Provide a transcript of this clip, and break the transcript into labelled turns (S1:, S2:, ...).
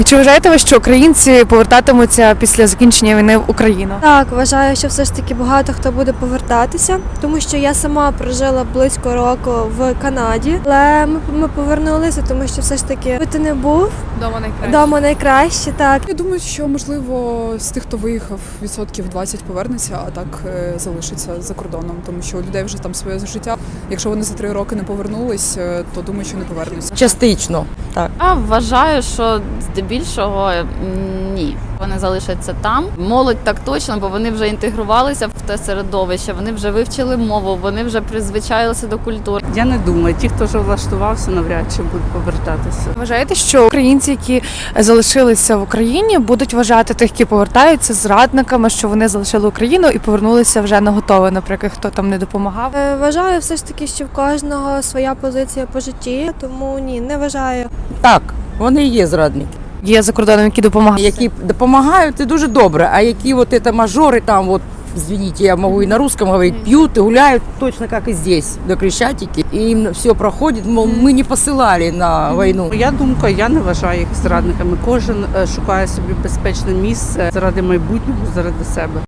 S1: Чи вважаєте ви, що українці повертатимуться після закінчення війни в Україну?
S2: Так, вважаю, що все ж таки багато хто буде повертатися, тому що я сама прожила близько року в Канаді, але ми повернулися, тому що все ж таки хто не був вдома найкраще. Так.
S3: Я думаю, що можливо з тих, хто виїхав, 20% повернеться, а так залишиться за кордоном, тому що у людей вже там своє життя. Якщо вони за 3 роки не повернулись, то думаю, що не повернуться.
S4: Частично, так.
S5: А вважаю, що здебільшого ні. Вони залишаться там. Молодь так точно, бо вони вже інтегрувалися в те середовище, вони вже вивчили мову, вони вже призвичаїлися до культури.
S6: Я не думаю, ті, хто вже влаштувався, навряд чи будуть повертатися.
S1: Вважаєте, що українці, які залишилися в Україні, будуть вважати тих, які повертаються, зрадниками, що вони залишили Україну і повернулися вже на готове, наприклад, хто там не допомагав?
S2: Вважаю все ж таки, що в кожного своя позиція по житті, тому ні, не вважаю.
S4: Так, вони і є зрадники.
S1: Є за кордоном, які допомагають.
S4: Які допомагають, це дуже добре, а які от це мажори там, вот, извините, я могу и на русском говорить, пьют и гуляют точно как и здесь, до Крещатики. И им все проходит, мол, мы не посилали на війну.
S6: Моя думка, я не вважаю їх зрадниками. Кожен шукає собі безпечне місце заради майбутнього, заради себе.